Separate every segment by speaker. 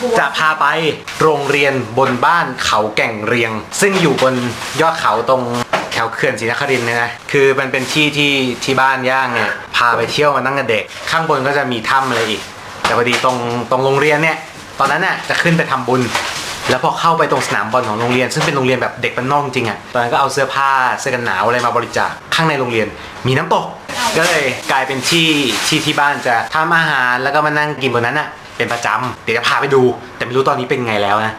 Speaker 1: จะพาไปโรงเรียนบนบ้านเขาแก่งเรียงซึ่งอยู่บนยอดเขาตรงแถวเขื่อนศรีนครินทร์นะคือมันเป็นที่บ้านย่างเนี่ยพาไปเที่ยวมาตั้งแต่เด็กข้างบนก็จะมีถ้ำอะไรอีกแต่พอดีตรงโรงเรียนเนี่ยตอนนั้นน่ะจะขึ้นไปทำบุญแล้วพอเข้าไปตรงสนามบอลของโรงเรียนซึ่งเป็นโรงเรียนแบบเด็กบ้านนอกจริงอ่ะตอนนั้นก็เอาเสื้อผ้าเสื้อกันหนาวอะไรมาบริจาคข้างในโรงเรียนมีน้ำตกก็เลยกลายเป็นที่บ้านจะทำอาหารแล้วก็มานั่งกินบนนั้นอ่ะเป็นประจำเดี๋ยวจะพาไปดูแต่ไม่รู้ตอนนี้เป็นไงแล้วนะ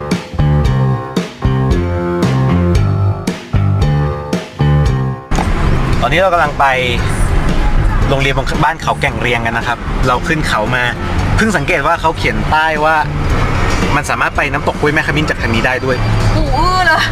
Speaker 1: ตอนนี้เรากำลังไปโรงเรียนบนบ้านเขาแก่งเรียงกันนะครับเราขึ้นเขามาเพิ่งสังเกตว่าเขาเขียนป้ายว่ามันสามารถไปน้ำตกห้วยแม่ขมิ้นจากทางนี้ได้ด้วย
Speaker 2: หูอื้อเลย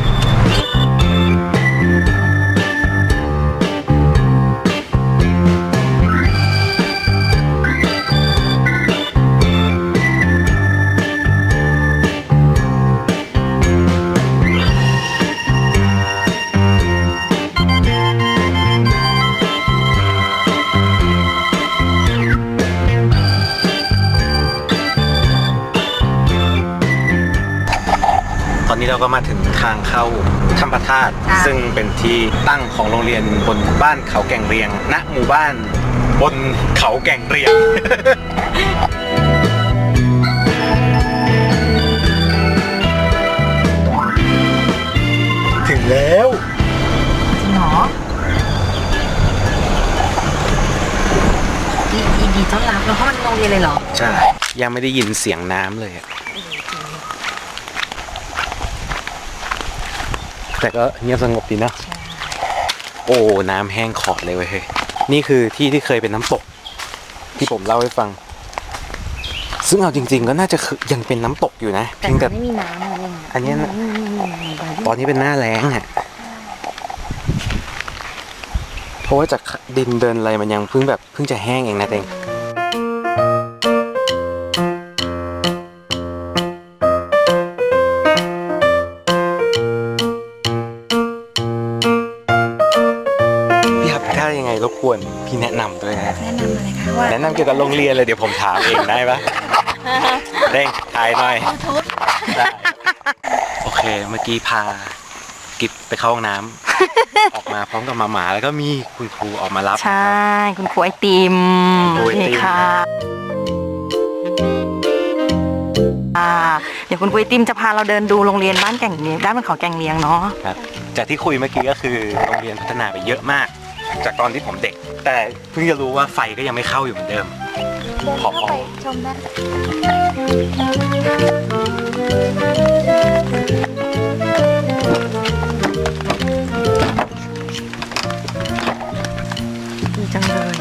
Speaker 1: ตอนนี้เราก็มาถึงทางเข้าถ้ำพระธาตุซึ่งเป็นที่ตั้งของโรงเรียนบนบ้านเขาแก่งเรียงณหมู่บ้านบนเขาแก่งเรียง ถึงแล้ว
Speaker 2: จริงเหรอดีต้อนรับเราเข้ามาในโรงเรียนเลยเหรอ
Speaker 1: ใช่ยังไม่ได้ยินเสียงน้ำเลยแต่ก็เงียบสงบดีนะโอ้น้ำแห้งขอดเลยเว้ยนี่คือที่เคยเป็นน้ำตกที่ผมเล่าให้ฟังซึ่งเอาจริงๆก็น่าจะยังเป็นน้ำตกอยู่นะ
Speaker 2: แต่ไม่มีน้ำอะไร
Speaker 1: อันนี้ตอนนี้เป็นหน้าแล้งอ่ะเพราะว่าจากดินเดินอะไรมันยังเพิ่งจะแห้งเองนะเองรบกวนพี่แนะนำด้วยนะ
Speaker 2: แนะนำอะไรคะว่า
Speaker 1: แนะนำเกี่ยวกับโรงเรียนเลยเดี๋ยวผมถามเองได้ปะเร่งถ่ายหน่อยโอเคเมื่อกี้พากิบไปเข้าห้องน้ำออกมาพร้อมกับหมาแล้วก็มีคุณครูออกมารับ
Speaker 2: ใช่คุณครูไอติมนี่ค่ะเดี๋ยวคุณครูไอติมจะพาเราเดินดูโรงเรียนบ้านแก่งเลี้ยงด้านบนเขาแก่งเลี้ยงเนาะ
Speaker 1: ครับจากที่คุยเมื่อกี้ก็คือโรงเรียนพัฒนาไปเยอะมากจากตอนที่ผมเด็กแต่เพิ่งจะรู้ว่าไฟก็ยังไม่เข้าอยู่เหมือนเดิม
Speaker 2: ขอไปชมได้ดีจังเลย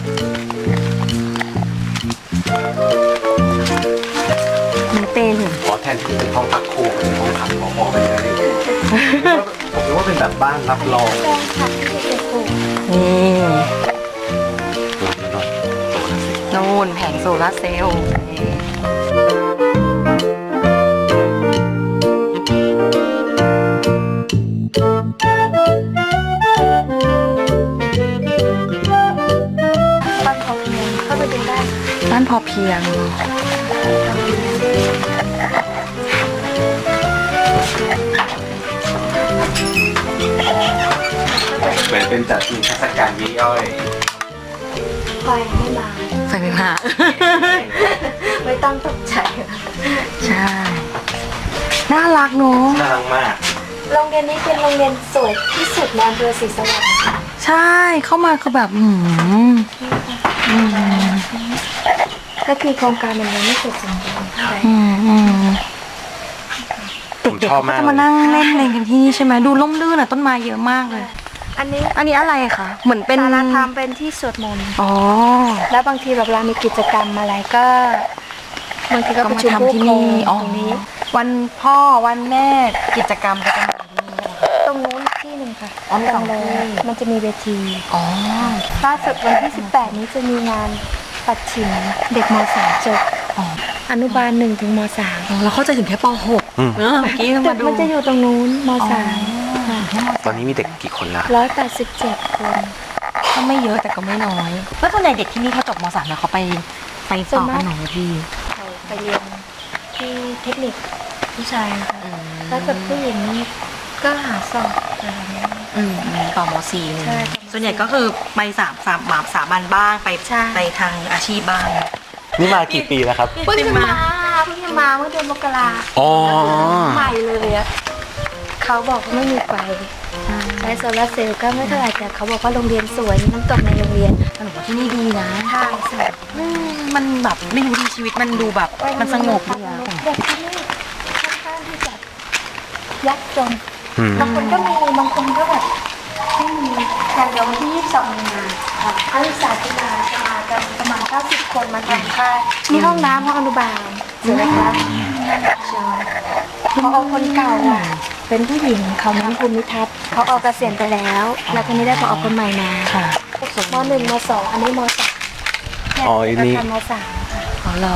Speaker 2: นี่เป็น
Speaker 1: ขอแทนที่เป็นห้องพักครูเป็นห้องพักหมอไปเลยผมรู้ว่าเป็นแบบบ้านรับรอง
Speaker 2: นี่นู่นแผงโซลาร์เซลล์บ้านพอเพียงเข้าไปดูได้บ้านพอเพียง
Speaker 1: เหมือนเป็นจัดนิทรรศการย่อย
Speaker 2: ไฟไม่มาไม่ต้องตกใจใช่น่ารักเนอะ
Speaker 1: น่ารักมาก
Speaker 3: โรงเรียนนี้เป็นโรงเรียนสวยที่สุดในอำเภอศรีสวัสดิ์
Speaker 2: ใช่เข้ามาคือแบบ
Speaker 3: ก็คือโครงการมันยังไม่เสร็จสมบูรณ์เท่าไหร่
Speaker 2: เด็กๆก็จะมานั่งเล่นอะไรกันที่นี่ใช่ไหมดูร่มรื่นอ่ะต้นไม้เยอะมากเลย
Speaker 3: อันนี้
Speaker 2: อะไรคะเหมือนเป็น
Speaker 3: ศาลาธรรมเป็นที่สวดมนต์
Speaker 2: อ๋อ
Speaker 3: แล้วบางทีแบบเรามีกิจกรรมอะไรก็บางทีก็ประชุม
Speaker 2: ที่นี่ตรงนี้วันพ่อวันแม่กิจกรรมก็จะมาที่นี่
Speaker 3: ตรงนู้นที่หนึ่งค่ะ
Speaker 2: ตรงเลย
Speaker 3: มันจะมีเวทีล่าสุดวันที่18นี้จะมีงานปัดฉิมเด็กม.3 จบอนุบาล1 ถึงม.3
Speaker 2: แล้วเขาจะถึงแค่ป.6เมื่อกี้มาดู
Speaker 3: มันจะอยู่ตรงนู้นม.3
Speaker 1: ตอนนี้มีเด็กกี่คนละ
Speaker 3: 187 คน
Speaker 2: ก็ไม่เยอะแต่ก็ไม่น้อยแล้วส่วนใหญ่เด็กที่นี่เขาจบม.3แล้วเขาไปต่อกันไหนพี่
Speaker 3: ไปเรียนที่เทคนิคผู้ชายนะคะถ้าเกิดผู้หญิงนี่ก็หาสอบอะไรแบบนี้
Speaker 2: ต่อม .4
Speaker 3: ใช่
Speaker 2: ส่วนใหญ่ก็คือไปสามัญบ้างไปทางอาชีพบ้าง
Speaker 1: นี่มากี่ปีแล้วครับ
Speaker 3: เพิ่งจะมาเมื่อเดือนมกรา
Speaker 1: อ๋อ
Speaker 3: ใหม่เลยอะเขาบอกว่าไม่มีไฟใช้โซลาร์เซลล์ก็ไม่เท่าไหร่แต่เขาบอกว่าโรงเรียนสวยมีน้ำตกในโรงเรียน
Speaker 2: หนูว่าที่นี่ดีนะ
Speaker 3: ใช่ใช่
Speaker 2: มันแบบไม่รู้ดีชีวิตมันดูแบบมันสงบดีอะ
Speaker 3: เด็กที่นี่ค่อนข้างที่จะยากจน
Speaker 1: อืม
Speaker 3: บางคนก็มีบางคนก็แบบไม่มีอย่างเดียววันที่22 มีนานักศึกษาจุฬาจะมากันประมาณ90 คนมาทำค่ายมีห้องน้ำห้องอนุบาลเห็นไหมคะใช่พอคนเก่าอ่ะเป็นผู้หญิงเขาเน้นภูมิทัศน์เขาออกเกษียณไปแล้ว แล้วทีนี้ได้พอคนใหม่มา
Speaker 2: ค่ะ
Speaker 3: ม.1 ม.2 อันนี้ม.3
Speaker 1: อ๋ออันนี้
Speaker 3: ม.3 ค่ะ
Speaker 2: อ๋อเหรอ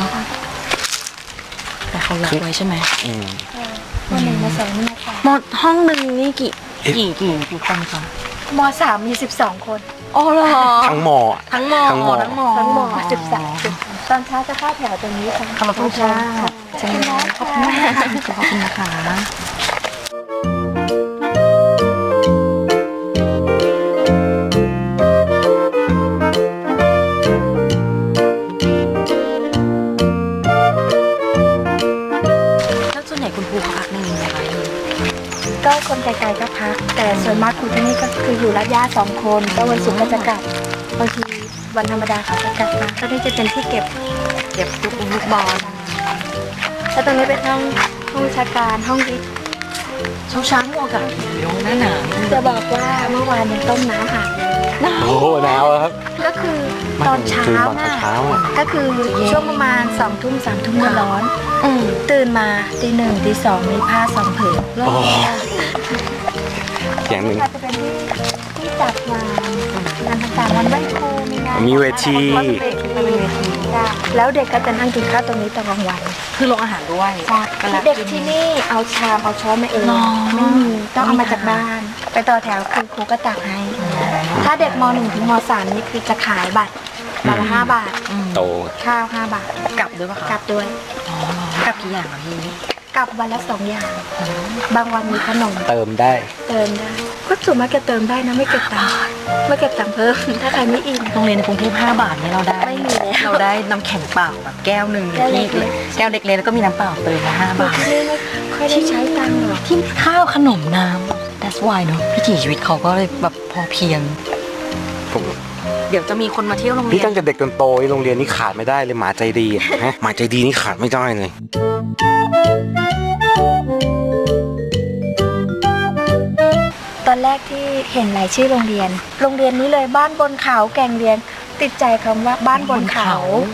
Speaker 2: แต่เขาล็อกไว้ใช่ไหม
Speaker 1: อืม
Speaker 3: ม.1 ม.2 นี่ค่ะ
Speaker 2: ห้องหนึ่งนี่กี่คนคะ
Speaker 3: ม.3 มี12 คน
Speaker 2: อ๋อเหรอ
Speaker 1: ทั้งหมอ
Speaker 2: ทั้งมอ
Speaker 1: ทั้งมอ
Speaker 2: ทั้งมอ
Speaker 3: ทั้งหมด13ตอนเช้าจะเข้าแถวตรงนี้ค่ะ
Speaker 2: ขอบคุณค่ะใช่ไหมขอบคุณมากขอบคุณนะคะ แล้วส่วนใหญ่คุณครูเขาพักในนี้ไหมคะ
Speaker 3: ก็คนไกลๆก็พัก แต่ส่วนมากครูที่นี่ก็คืออยู่รัดย่า2 คนก็วันศุกร์ก็จะกลับบางทีวันธรรมดาเขาจะกลับมาก็นี่จะเป็นที่เก็บ
Speaker 2: ลูกบอล
Speaker 3: แล้วตรงนี้เป็นห้องวิชาการห้องวิทย์
Speaker 2: เช้าหมวกกับเดี๋ยวหน้าหนาว
Speaker 3: จะบอกว่าเมื่อวานยังต้มน้ำหาเลย
Speaker 1: โอ้โหหนาวอะครับ
Speaker 3: ก็คือตอนเช้า
Speaker 1: คือตอน
Speaker 3: น่ะ
Speaker 1: เช้าอะ
Speaker 3: ก็คือช่วงประมาณ2 ทุ่ม3 ทุ่มก็ร้อน ตื่นมาตี 1ตี 2มีผ้า2 ผืน
Speaker 1: โอ้อย่างหนึ่ง
Speaker 3: อาจจะเป็นที่จัดงานต่างๆวันไหว้ครูมีงาน
Speaker 1: มีเวที
Speaker 3: ค่ะแล้วเด็กก็จะนั่งกินข้าวตรงนี้ตอนกลางวัน
Speaker 2: คือโรงอาหารด้วย
Speaker 3: เด็กที่นี่เอาชามเอาช้อนมาเอง
Speaker 2: หรอ
Speaker 3: ไม่มีต้องเอามาจากบ้าน ไปต่อแถวคือครูก็ตักให้ ถ้าเด็กม .1 ถึงม .3 นี่คือจะขายบัตรละ5 บาท
Speaker 1: โต
Speaker 3: ข้าว5 บาท
Speaker 2: กลับด้วยปะคะ
Speaker 3: กลับด้วย
Speaker 2: อ๋อกลับกี่อย่างคะพี่
Speaker 3: กลับวันละ2 อย่าง บางวันมีขนม
Speaker 1: เติมได้
Speaker 3: เติมได้ก็ส่วนมากจะเติมได้นะไม่เก็บตังค์ไม่เก็บตังค์เพิ่ม ถ้าใครไม่อิ่ม
Speaker 2: โรงเรียนในกรุงเทพ5 บาทเนี่ยเราได้
Speaker 3: ไม่มีแล้ว
Speaker 2: เราได้น้ำแข็งเปล่าแบบแก้วหนึ่ง
Speaker 3: แก้วเล็ก
Speaker 2: แก้วเล็กๆแล้วก็มีน้ำเปล่าเติมละ5 บาท
Speaker 3: ที่นี่ไม่ค่อยได้ใช้ตังค์หรอก
Speaker 2: ที่ข้าวขนมน้ำ that's why เนอะพิถีชีวิตเขาก็เลยแบบพอเพียง
Speaker 1: ผม
Speaker 2: เดี๋ยวจะมีคนมาเที่ยวโรงเรี
Speaker 1: นี่
Speaker 2: ยน
Speaker 1: ตั้งแต่เด็กจนโตโรงเรียนนี่ขาดไม่ได้เลยหมาใจดีอะฮะหมาใจดีนี่ขาดไม่ได้เลย
Speaker 3: ตอนแรกที่เห็นรายชื่อโรงเรียนนี้เลยบ้านบนเขาแก่งเรียน ติดใจคำว่าบ้านบนเขา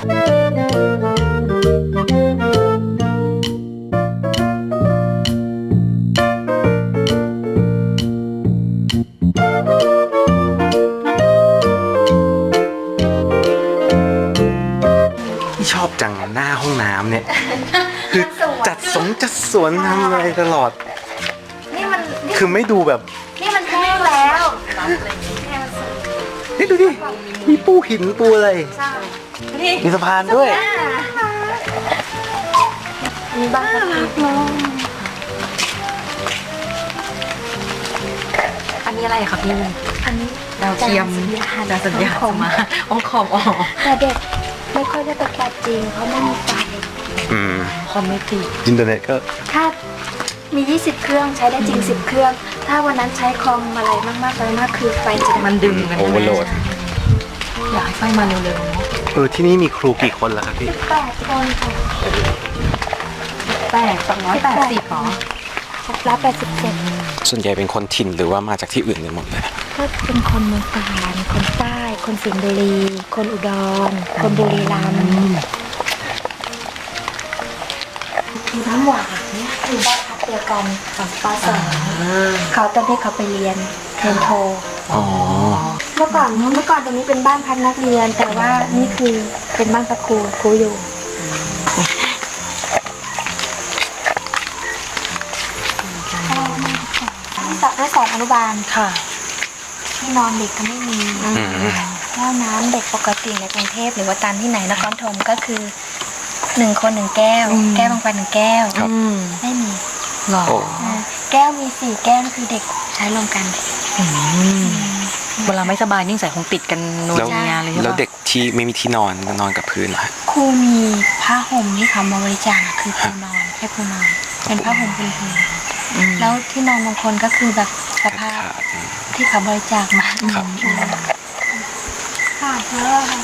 Speaker 1: ที่ชอบจังหน้าห้องน้ำเนี่ย คือจัดสวนทำอะไรตลอด
Speaker 3: นี่มัน
Speaker 1: คือไม่ดูแบบ
Speaker 3: นี่มันแห้งแล้ว
Speaker 1: นี่ดูดิ มีปูหินปูอะไร
Speaker 3: นี่
Speaker 1: มีสะพานด้วย
Speaker 3: มีบ้านพักเด็ก
Speaker 2: อันนี้อะไรคะพี่
Speaker 3: อันนี้
Speaker 2: ดาวเทียมดาวสัญญาณ
Speaker 3: ของ
Speaker 2: มาอ๋อคอมอ๋อ
Speaker 3: แต่เด็กไม่ค่อยได้ประกาศจริงเพราะไม่มีไฟ
Speaker 1: อืม
Speaker 2: คอมไม่ติด
Speaker 1: อินเทอร์เน็ตก็
Speaker 3: ถ้ามี 20 เครื่องใช้ได้จริง 10 เครื่อง ถ้าวันนั้นใช้คอมอะไรมากๆคือไฟจะ
Speaker 2: มันดึงกัน
Speaker 1: โอเวอร์โหลด
Speaker 2: อยากให้ไฟมาเร็วๆเนาะ
Speaker 1: ที่นี่มีครูกี่คนล่ะครับพี่
Speaker 3: 18 คนค่ะ
Speaker 2: 280หรอ
Speaker 3: รับ87
Speaker 1: ส่วนใหญ่เป็นคนถิ่นหรือว่ามาจากที่อื่นกันหมดเลย
Speaker 3: ก็เป็นคนเมืองกาญคนใต้ คนสิงห์บุรี คนอุดร คนบุรีรัมย์คือน้ำหวานเนี่ยคือบ้านพักเดียวกันของป .2 เขาตอนที่เขาไปเรียนโท
Speaker 1: อ๋อ
Speaker 3: เมื่อก่อนตรงนี้เป็นบ้านพักนักเรียน แต่ว่านี่คือเป็นบ้านพักครูอยู่ให้สอนอนุบาล
Speaker 2: ค่ะ
Speaker 3: ที่นอนเด็กก็ไม่มีห้องน้ำเด็กปกติในกรุงเทพหรือว่าตามที่ไหนนครธมก็คือ 1 คน1 แก้ว แก้วบางไป1 แก้ว
Speaker 1: ครับ
Speaker 3: ไม่มี
Speaker 2: หรอ
Speaker 1: โอ้
Speaker 3: แก้วมี4 แก้วคือเด็กใช้รวมกัน
Speaker 2: เวลาไม่สบายนิ่งใส่คงติดกันนวล
Speaker 1: แล้ว
Speaker 2: งานเลยใช่
Speaker 1: แล้ว
Speaker 2: ปะ
Speaker 1: เด็กที่ไม่มีที่นอนนอนกับพื้นเหรอฮะ
Speaker 3: ครูมีผ้าห่มที่เขามาบริจาคอะคือครูนอนให้ครูนอนเป็นผ้าห่มพื้น แล้วที่นอนบางคนก็คือแบบสภาพ
Speaker 1: ขาด
Speaker 3: ที่เขาบริจาคมา
Speaker 1: ครับ
Speaker 3: ค่ะแล้วค่ะ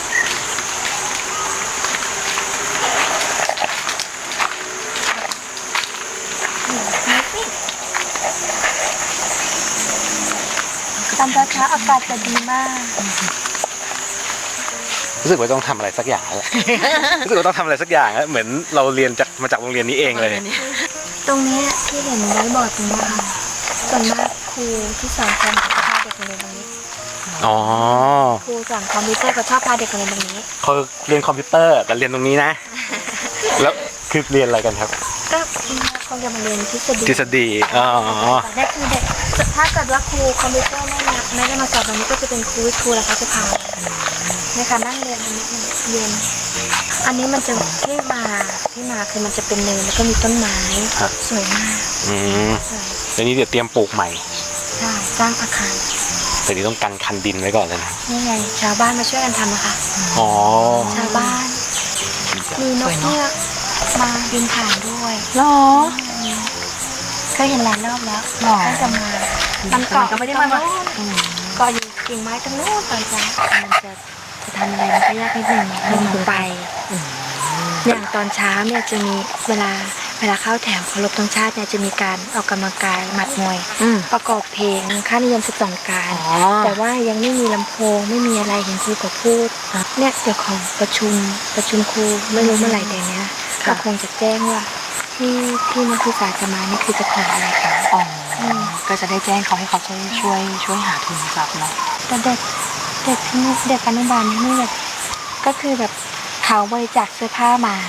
Speaker 3: ตอนเช้าอากาศจะดีมาก
Speaker 1: รู้สึกว่าต้องทำอะไรสักอย่างแล้ว รู้สึกว่าต้องทำอะไรสักอย่างแล้วเหมือนเราเรียนมาจากโรงเรียนนี้เองเลย
Speaker 3: ตรงนี้ที่เห็นไว้บอร์ดตรงนี้ค่ะส่วนมากครูที่สอนคอมจะพาเด็กมาเรียนตรงนี้
Speaker 1: อ๋อ
Speaker 3: ครูสอนคอมพิวเตอร์ก็ชอบพาเด็กมาเรียนตรงนี้
Speaker 1: เขาเรียนคอมพิวเตอร์แต่เรียนตรงนี้นะ แล้วคือเรียนอะไรกันครับ
Speaker 3: ก็คงจะมาเรียนทฤษฎี
Speaker 1: ทฤษฎีอ๋อ
Speaker 3: แต่นี่คือเด็กถ้าเกิดว่าครูคอมพิวเตอร์ไม่ได้มาสอนตรงนี้ก็จะเป็นครูวิทย์ครูแล้วเขาจะพาในการนั่งเรียนตรงนี้เรียนอันนี้มันจะที่มาคือมันจะเป็นเนินแล้วก็มีต้นไม้สวยมาก
Speaker 1: อืมเดี๋ยวนี้เดี๋ยวเตรียมปลูกใหม่
Speaker 3: ใช่สร้างอาคาร
Speaker 1: แต่นี้ต้องกันคันดินไว้ก่อนเลยนะ
Speaker 3: นี่ไงชาวบ้านมาช่วยกันทำนะคะ
Speaker 1: อ๋อ
Speaker 3: ชาวบ้านมีนกเงือกมาบินผ่านด้วย
Speaker 2: หรอ
Speaker 3: เคยเห็นหลายรอบแล้ว
Speaker 2: หรอ
Speaker 3: ท่านจะมามันเกาะ
Speaker 2: ก็ไม่ได้มา
Speaker 3: ตรงโน้นเกาะอยู่กิ่งไม้ตรงโน้นตอนเช้ามันจะทำอะไรมันก็ยากนิดหนึ่งลงไปอย่างตอนเช้าเนี่ยจะมีเวลาเข้าแถวเคารพธงชาติเนี่ยจะมีการออกกำลังกายหมัดมวย ประกอบเพลงค่านิยม12การ แต่ว่ายังไม่มีลำโพงไม่มีอะไรเห็นครูก็พูดเนี่ยเดี๋ยวของประชุมครูไม่รู้เมื่อไหร่เดี๋ยวนี้ก็คงจะแจ้งว่าที่นักศึกษาจะมานี่คือจะขออะไรกัน
Speaker 2: อ๋อก็จะได้แจ้งเขาให้เขาช่วยหาทุนทรัพย์เนาะ
Speaker 3: แต่เด็กที่นี่เด็กอนุบาลที่นี่แบบก็คือแบบเขาบริจาคเสื้อผ้ามา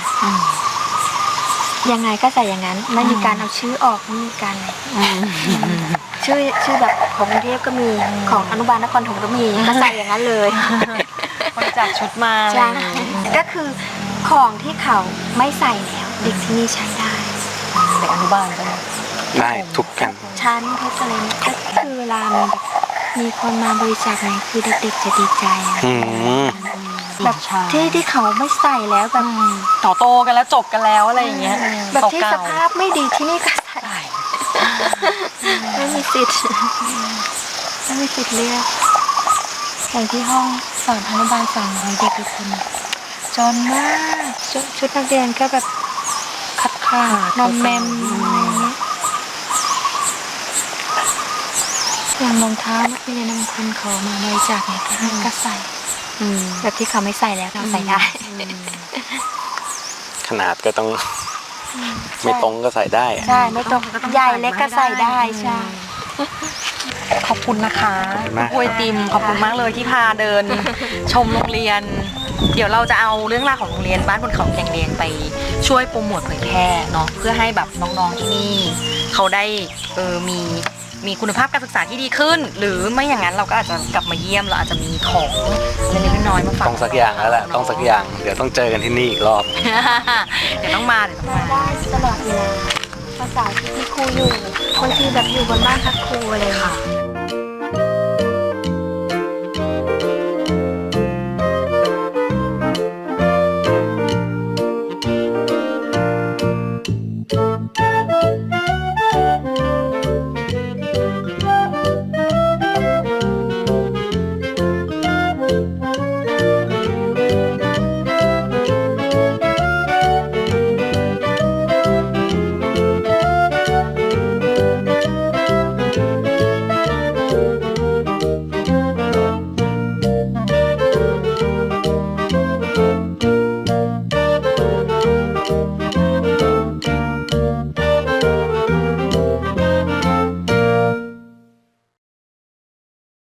Speaker 3: ยังไงก็ใส่อย่างนั้นไม่มีการเอาชื่อออกไม่มีการอะไรชื่อแบบของกรุงเทพก็มีของอนุบาลนครถมก็มีก็ใส่อย่างนั้นเลย
Speaker 2: บริจาคชุดมา
Speaker 3: ใช่ก็คือของที่เขาไม่ใส่แล้วเด็กที่นี่ใช้ได้
Speaker 2: เด็กอนุบาลใช่ไหม
Speaker 1: ได้ทุกกัน
Speaker 3: ชั้นเขาจะเลยก็คือเวลามีคนมาบริจาคอะไรคือเด็กๆจะดีใจอะ
Speaker 1: อืม
Speaker 3: แบบที่เขาไม่ใส่แล้วแบบ
Speaker 2: ต่อโตกันแล้วจบกันแล้วอะไรอย่างเงี้ย
Speaker 3: แบบที่ส
Speaker 2: เก่า
Speaker 3: ภาพไม่ดีที่นี่ก็ใส่ ไม่มีสิทธิ์เลือกอย่างที่ห้องสอนอนุบาล200เด็กทุกคนจนมากชุดนักเรียนก็แบบขาดนอมแมมอะไรเงี้ยอย่างรองเท้านักเรียนบางคนเขามาบริจาคเนี่ยก็ให้ก็ใส่แบบที่เขาไม่ใส่แล้วเราใส่ได้
Speaker 1: ขนาดก็ต้องไม่ตรงก็ใส่ได้อะ
Speaker 3: ใช่ไม่ต้องใหญ่เล็กก็ใส่ได้ใช่
Speaker 2: ขอบคุณนะคะ
Speaker 1: ขอบคุณมาก
Speaker 2: กล้วยติมขอบคุณมากเลยที่พาเดิน ชมโรงเรียน เดี๋ยวเราจะเอาเรื่องราวของโรงเรียนบ้านบนเขาแก่งเรียงไปช่วยโปรโมทเผยแพร่เนาะเพื่อให้แบบน้องๆที่นี่เขาได้มีคุณภาพการศึกษาที่ดีขึ้น หรือไม่อย่างนั้นเราก็อาจจะกลับมาเยี่ยมเราอาจจะมีของเล็กๆน้อยๆมาฝาก
Speaker 1: ต้องสักอย่างแล้วแหละต้องสักอย่างเดี๋ยวต้องเจอกันที่นี่อีกรอบ
Speaker 2: เดี๋ยวต้องมา
Speaker 3: มาได้ตลอดเวลาภาษาที่ครูอยู่บางทีแบบอยู่บนบ้านพักครูอะไรค่ะ